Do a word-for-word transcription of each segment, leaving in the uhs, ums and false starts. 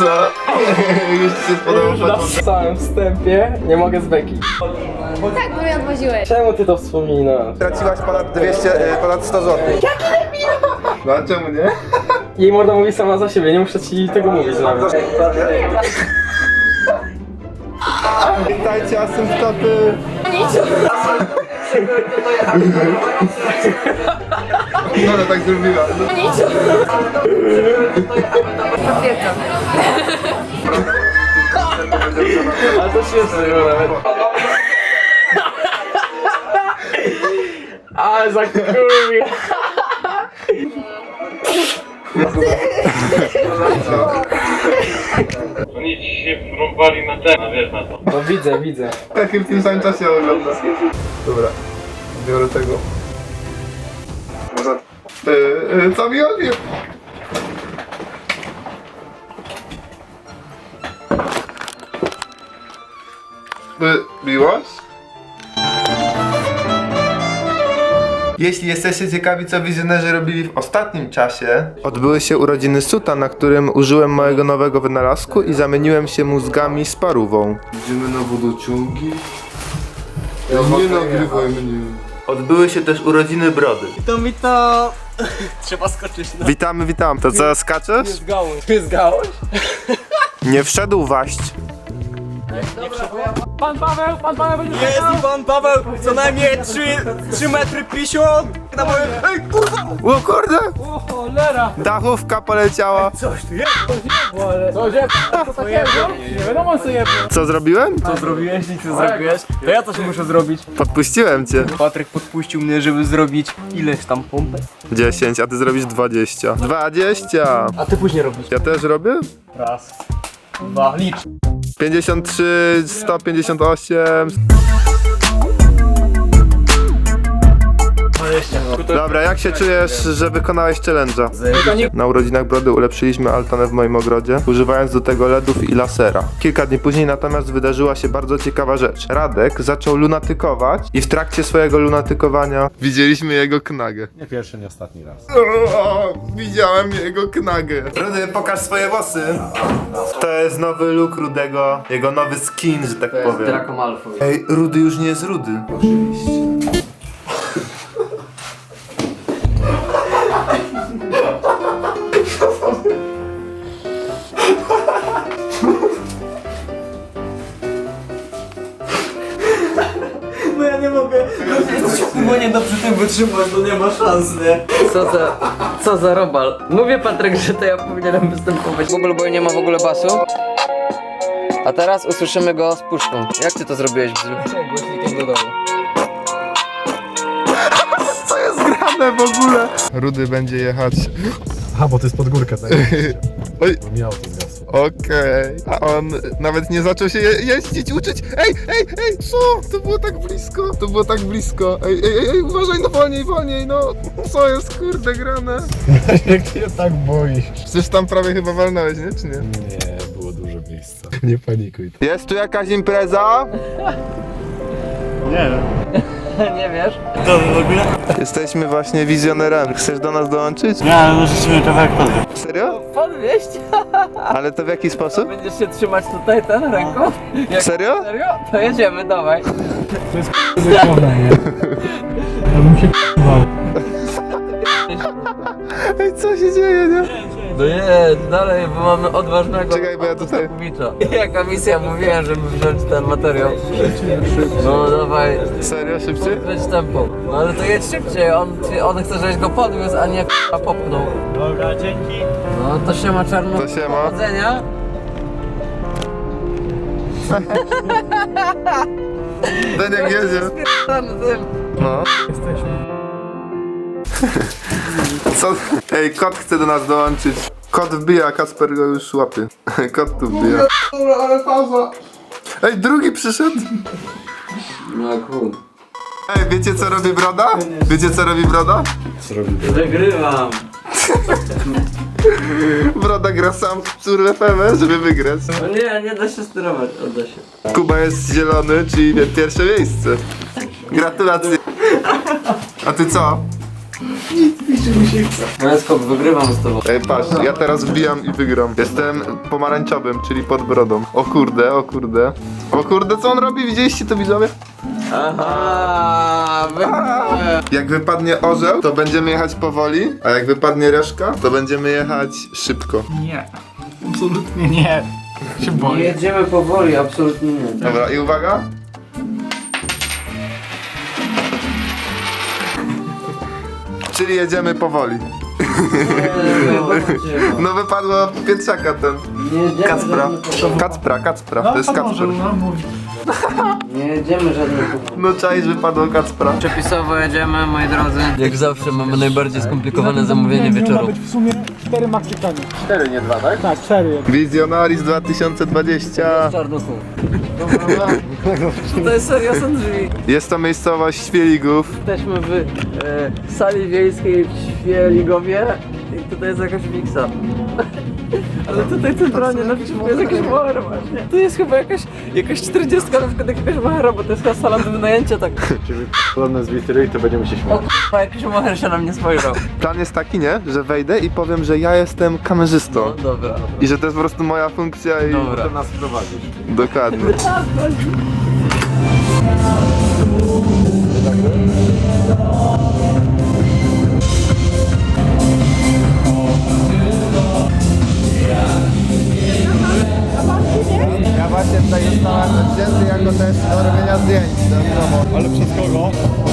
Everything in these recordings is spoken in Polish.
Co? Już ci się spodobał. W całym wstępie nie mogę z beki. Tak, bo mnie odwoziłeś. Czemu ty to wspominasz? Traciłaś ponad dwieście, ponad sto złotych. Jaki debil! No a czemu nie? Jej morda mówi sama za siebie, nie muszę ci tego mówić nawet. Witajcie asymptoty. No, no tak zrobiła. Potwierdzam. Ale to śmieszne było nawet. Ale za kurwi. Oni ci się wrąbali na ten, no wiesz na to. No widzę, widzę. Taki w tym samym czasie ogląda. Dobra, biorę tego. Może... Yy, yy, co mi chodzi? Yy, miłość? Jeśli jesteście ciekawi, co wizjonerzy robili w ostatnim czasie, odbyły się urodziny Suta, na którym użyłem mojego nowego wynalazku i zamieniłem się mózgami z parówą. Idziemy na wodociągi. Ja nie nagrywaj mnie. Odbyły się też urodziny Brody. To mi to... Trzeba skoczyć na... Witamy, witam. To co, skaczesz? Zgałeś. Ty zgałeś? Nie wszedł waść. Pan Paweł, pan Paweł będzie Jest i pan Paweł, co najmniej trzy metry pięćdziesiąt na moim... Ej, kurwa! O kurde! O cholera! Dachówka poleciała. Coś tu jest! Co się... Co takiego? Nie wiadomo co je... Co zrobiłem? Co zrobiłeś? Nic nie zrobiłeś? To ja coś muszę zrobić. Podpuściłem cię. Patryk podpuścił mnie, żeby zrobić ileś tam pompek. dziesięć, a ty zrobisz dwadzieścia. dwadzieścia! A ty później robisz. Ja też robię? Raz, dwa, licz. pięćdziesiąt trzy, sto pięćdziesiąt osiem. Dobra, jak się czujesz, że wykonałeś challenge'a? Na urodzinach Brody ulepszyliśmy altanę w moim ogrodzie, używając do tego ledów i lasera. Kilka dni później natomiast wydarzyła się bardzo ciekawa rzecz. Radek zaczął lunatykować i w trakcie swojego lunatykowania widzieliśmy jego knagę. Nie pierwszy, nie ostatni raz. O, widziałem jego knagę. Rudy, pokaż swoje włosy. To jest nowy look Rudego, jego nowy skin, że tak powiem. Draco Malfoy. Ej, Rudy już nie jest Rudy. Oczywiście. No ja nie mogę. Bo nie da przy tym wytrzymać, no nie ma szans, nie? Co za, co za robal. Mówię Patryk, że to ja powinienem występować. Bubble Boy nie ma w ogóle basu. A teraz usłyszymy go z puszką. Jak ty to zrobiłeś, Bzu? Głośnikiem do domu. Co jest grane w ogóle? Rudy będzie jechać. Aha, bo to jest pod górkę, tak? Oj, Bo miało to zgasło. okej. A on nawet nie zaczął się je jeździć, uczyć. Ej, ej, ej, co? To było tak blisko, to było tak blisko. Ej, ej, ej, ej uważaj, no wolniej, wolniej, no. Co jest kurde grane? Jak się tak boisz? Przecież tam prawie chyba walnąłeś, nie? Czy nie? Nie, było dużo miejsca. Nie panikuj. Jest tu jakaś impreza? Nie wiesz? To w ogóle? Jesteśmy właśnie wizjonerami. Chcesz do nas dołączyć? Nie, ale możecie kawałek podjąć. Serio? Podwieźć? Ale to w jaki sposób? Będziesz się trzymać tutaj ten ręką? Jak Serio? serio? To jedziemy, dawaj. Ej, co się dzieje, nie? No nie, dalej, bo mamy odważnego Czekaj, bo ja tutaj... Kubicza. Jaka misja, mówiłem, żeby wziąć ten materiał. No dawaj, Serio? Szybciej? podkręć tempo. No ale to jedź szybciej, on, on chce, żebyś go podwiózł, a nie k***a popchnął. Dobra, dzięki. No to się ma czarno. To siema. Powodzenia. Daniel jedzie. Tam tym. No. Co? Ej, kot chce do nas dołączyć. Kot wbija, a Kasper go już łapie. Kot tu wbija. Ale faza. Ej, drugi przyszedł. No cool. Ej, wiecie co robi Broda? Wiecie co robi Broda? Wygrywam. Broda gra sam w Psur F M, żeby wygrać. No nie, nie da się sterować, odda się. Kuba jest zielony, czyli pierwsze miejsce. Gratulacje. A ty co? Nic mi No skok, wygrywam z tobą. Ej, patrz, ja teraz wbijam i wygram. Jestem pomarańczowym, czyli pod brodą. O kurde, o kurde. O kurde, co on robi? Widzieliście to, widzowie? Aha, wygrałem. Jak wypadnie orzeł, to będziemy jechać powoli, a jak wypadnie reszka, to będziemy jechać szybko. Nie. Absolutnie nie. Się Nie boję. jedziemy powoli, absolutnie nie. Dobra, i uwaga. Czyli jedziemy powoli. No wypadło Pietrzaka ten. Nie jedziemy Kacpra. żadnym powoli. Kacpra, Kacpra. To jest a może, Kacper. no mówi. Nie jedziemy żadnym powoli. No czaisz, wypadło Kacpra. Przepisowo jedziemy, moi drodzy. Jak zawsze mamy najbardziej skomplikowane zamówienie Miał wieczoru. być w sumie cztery Maksykanie. Cztery, nie dwa, tak? Tak, cztery. Wizjonaris dwa tysiące dwadzieścia. Czarnuchu. To jest serio, są drzwi. Jest to miejscowość Świeligów. Jesteśmy w e, sali wiejskiej w Świeligowie i tutaj jest jakaś miksa. Ale tutaj centralnie na przykład jest jakaś małera właśnie. Tu jest chyba jakaś, jakaś czterdziestka, na przykład jakaś małera, bo to jest chyba sala do wynajęcia tak. Podobne z witry i to będziemy się śmiać. O k***a, jakiś macher się na mnie spojrzał. Plan jest taki, nie? Że wejdę i powiem, że ja jestem kamerzystą. No dobra. I że to jest po prostu moja funkcja i... Dobra. Nas prowadzisz. Dokładnie. Ja właśnie tutaj zostałem wzięty jako też do robienia zdjęć. Ale przez kogo?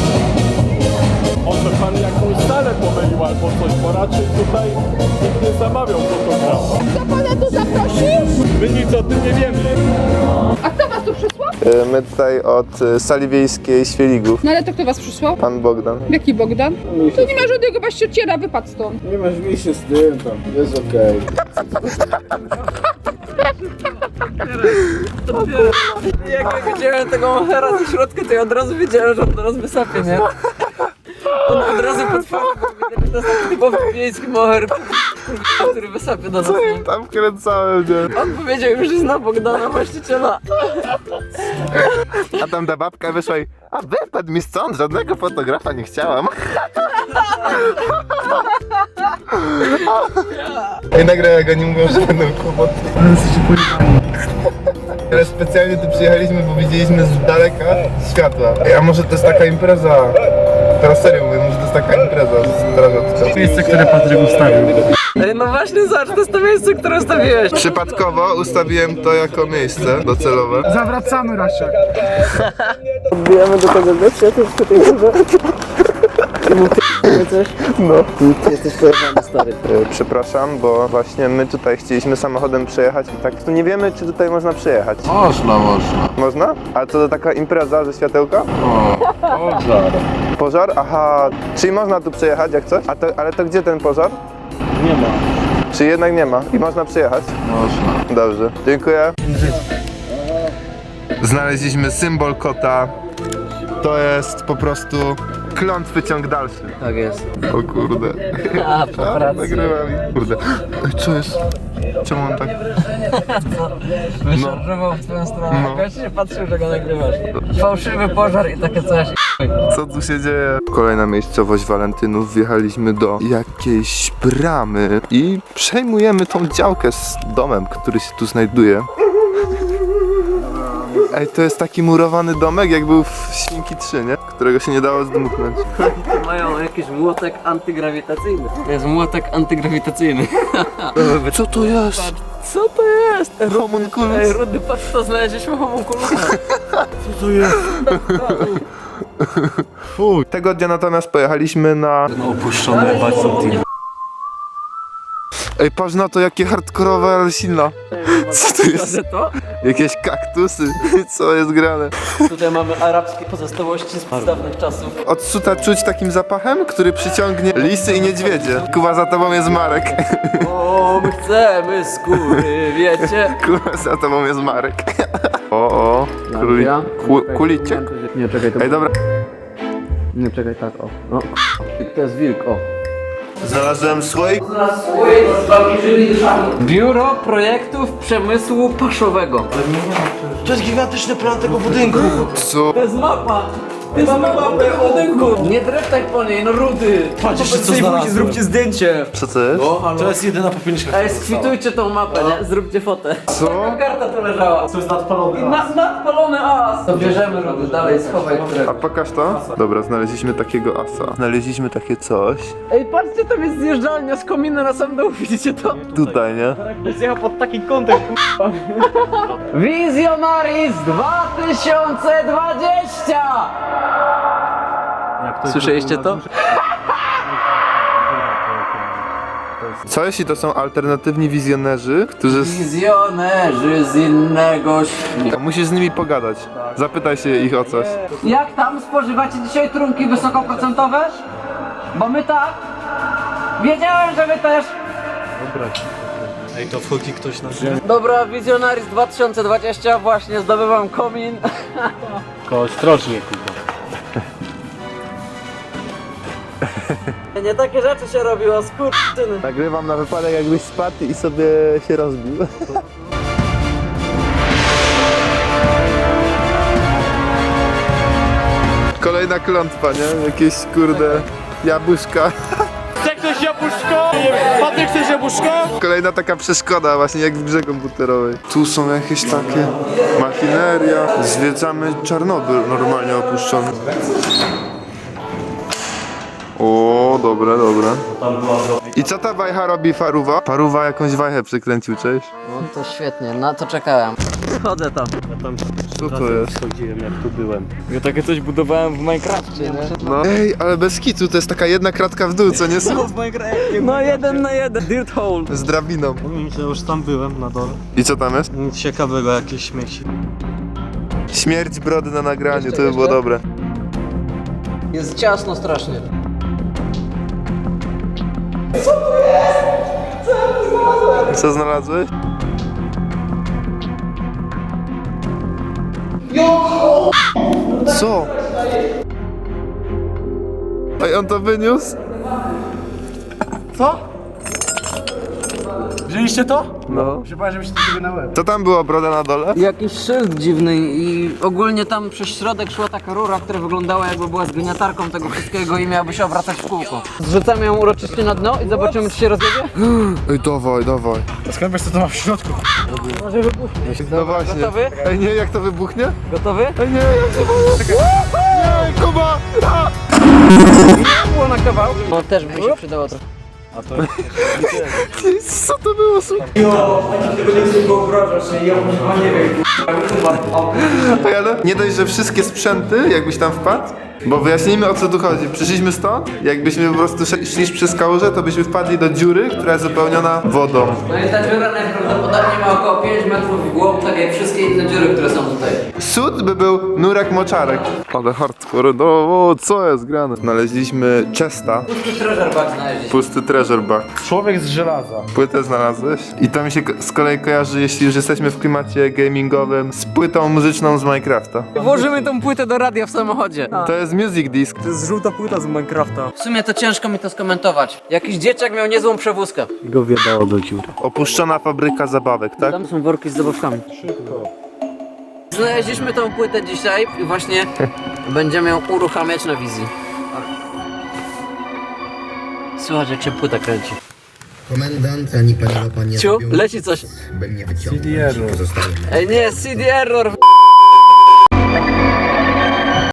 Może pan jakąś salę pomylił albo coś, bo raczej tutaj nikt nie zamawiał fotografa. Kto pana tu zaprosił? My nic o tym nie wiemy. A kto was tu przysłał? Y, My tutaj od y, sali wiejskiej Świeligów. No ale to kto was przysłał? Pan Bogdan. Jaki Bogdan? Tu nie ma żadnego baściociera, wypadł stąd. Nie masz mi się z tym tam, jest okej. Jak ja widziałem tego machera ze środka, to ja od razu wiedziałem, że on teraz wysapie, nie? On od razu potworzył, bo widać, że to jest taki typowy wiejski moher, który wysapie na nas. Tam kręcałem, nie? On powiedział już, że zna Bogdana, właściciela. A tam ta babka wyszła i... A wypadł mi stąd, żadnego fotografa nie chciałam. I nagle jak oni mówią, że będą kłopoty. Ale specjalnie tu przyjechaliśmy, bo widzieliśmy z daleka światła. Ej, a może to jest taka impreza? Teraz serio mówię, może to jest taka impreza strażacka. Miejsce, które Patryk ustawił. Ej, no właśnie, zobacz, to jest to miejsce, które ustawiłeś. Przypadkowo ustawiłem to jako miejsce docelowe. Zawracamy, Rasiak. Wbijamy do tego gościa, to jest tutaj dużo. Coś? No. Ty jesteś pojechany, stary. Yy, przepraszam, bo właśnie my tutaj chcieliśmy samochodem przejechać i tak tu nie wiemy, czy tutaj można przejechać. Można, można. Można? Ale to taka impreza ze światełka? Pożar. Pożar? Aha, czyli można tu przejechać jak coś? A to, ale to gdzie ten pożar? Nie ma. Czy jednak nie ma? I można przyjechać? Można. Dobrze, dziękuję. Znaleźliśmy symbol kota. To jest po prostu klątwy ciąg dalszy. Tak jest. O kurde. A, po A, pracy. nagrywam. Kurde. Ej, co jest? Czemu on tak... Wyszarżował w twoją stronę. No. Gość się patrzył, że go nagrywasz. Fałszywy pożar i takie coś. Co tu się dzieje? Kolejna miejscowość Walentynów. Wjechaliśmy do jakiejś bramy i przejmujemy tą działkę z domem, który się tu znajduje. Ej, to jest taki murowany domek, jak był w Świnki trzy, nie? Którego się nie dało zdmuchnąć. Mają jakiś młotek antygrawitacyjny. To jest młotek antygrawitacyjny. Co to jest? Co to jest? Homunculus. Ej, Rudy, patrz co znaleźliśmy homunculusa. Fuj. Tego dnia natomiast pojechaliśmy na... Opuszczone Balsam. Ej, patrz na to, jakie hardkorowe, ale silna. Co to jest? Że to? Jakieś kaktusy. Co jest grane? Tutaj mamy arabskie pozostałości z dawnych czasów. Od suta czuć takim zapachem, który przyciągnie lisy i niedźwiedzie. Kuba, za tobą jest Marek. O, my chcemy skóry, wiecie? Kuba, za tobą jest Marek. O, o. Kuli... Ku... Kulicie? Nie, czekaj, to... Ej, dobra. Nie, czekaj, tak, o. No, to jest wilk, o. Znalazłem słoik. Biuro Projektów Przemysłu Paszowego. To jest gigantyczny plan tego budynku. Co? To jest mapa. Mamy mapę o dynku. Nie dreptaj po niej, no rudy. Patrz jeszcze co znalazłem. Zróbcie zdjęcie. Co to jest? To jest jedyna popielniczka. Ej, skwitujcie tą mapę, nie? Zróbcie fotę. Co? Taka karta tu leżała. To jest nadpalone. Na, nadpalony as. To bierzemy rudy, dalej schowaj A którego. pokaż to? Dobra, znaleźliśmy takiego asa. Znaleźliśmy takie coś. Ej, patrzcie, tam jest zjeżdżalnia z komina na sam dół, widzicie to? Tutaj, nie? Zjechał pod taki kątem. Wizjonaris dwa tysiące dwadzieścia! Słyszeliście to? Co jeśli to są alternatywni wizjonerzy, którzy... Wizjonerzy z innego świata. Musisz z nimi pogadać. Zapytaj się ich o coś. Jak tam spożywacie dzisiaj trunki wysokoprocentowe? Bo my tak. Wiedziałem, że wy też. Ej, to wchodzi ktoś na ziemię. Dobra, Wizjonaris dwa tysiące dwadzieścia, właśnie zdobywam komin. Tylko ostrożnie, kurwa. Nie takie rzeczy się robiło, skurczyny. Nagrywam na wypadek, jakbyś spadł i sobie się rozbił. Kolejna klątwa, nie? Jakieś kurde jabłuszka. Chce ktoś jabłuszko? Patryk, chcesz jabłuszko? Kolejna taka przeszkoda, właśnie jak w grze komputerowej. Tu są jakieś takie machineria. Zwiedzamy Czarnobyl, normalnie opuszczony. O, dobre, dobre. I co ta wajcha robi Faruwa? Faruwa jakąś wajchę przykręcił, cześć. No to świetnie, na to czekałem. Chodzę tam. Co to jest? Chodziłem jak tu byłem. Ja takie coś budowałem w Minecrafcie, nie? No. Ej, ale bez kitu, to jest taka jedna kratka w dół, co nie są? W Minecrafcie. No jeden na jeden. Dirt hole. Z drabiną. Ja już tam byłem na dole. I co tam jest? Nic ciekawego, jakieś śmieci. Śmierć brody na nagraniu, Jeszcze, to by było jeszcze? dobre. Jest ciasno strasznie. Co znalazłeś? Co? Ej, on to wyniósł? Wzięliście to? No. Się bałem, żebyście sobie na łeb. Co tam było, broda na dole? Jakiś szyld dziwny i ogólnie tam przez środek szła taka rura, która wyglądała jakby była zgniatarką tego wszystkiego i miałaby się obracać w kółko. Zrzucamy ją uroczyście na dno i zobaczymy, czy się rozjedzie. Ej, dawaj, dawaj. A skąd wiesz co to ma w środku? Może wybuchnie. No właśnie. Gotowy? Ej, nie, jak to wybuchnie? Gotowy? Ej, nie, jak to wybuchnie? Nie, Kuba! A! Nie było na kawał. No też by się przydało trochę. Co to było, słuchaj? Tego nie chcę wyobrażać, ja chyba nie wiem. Ej, ale nie dość, że wszystkie sprzęty, jakbyś tam wpadł, bo wyjaśnijmy, o co tu chodzi. Przyszliśmy stąd, jakbyśmy po prostu szli szli przez kałużę, to byśmy wpadli do dziury, która jest wypełniona wodą. No i ta dziura najprawdopodobniej ma około pięć metrów w głąb, tak jak wszystkie inne dziury, które są tutaj. Sód by był nurek moczarek. Ale hardcore, no o, co jest grane? Znaleźliśmy chesta, Pusty treasure bag znaleźliśmy. pusty treasure bag. Człowiek z żelaza. Płytę znalazłeś? I to mi się ko- z kolei kojarzy, jeśli już jesteśmy w klimacie gamingowym, z płytą muzyczną z Minecrafta. Włożymy tą płytę do radia w samochodzie. To jest music disc. To jest żółta płyta z Minecrafta. W sumie to ciężko mi to skomentować. Jakiś dzieciak miał niezłą przewózkę. Go wiedało do dziury. Opuszczona fabryka zabawek, tak? Tam są worki z zabawkami. Znaleźliśmy tą płytę dzisiaj i właśnie będziemy ją uruchamiać na wizji. Słuchaj, jak się płyta kręci. Komendant ani panowa pan nie Ciu, zrobią leci coś. by mnie wyciągnąć. Pozostałym Ej nie, C D error.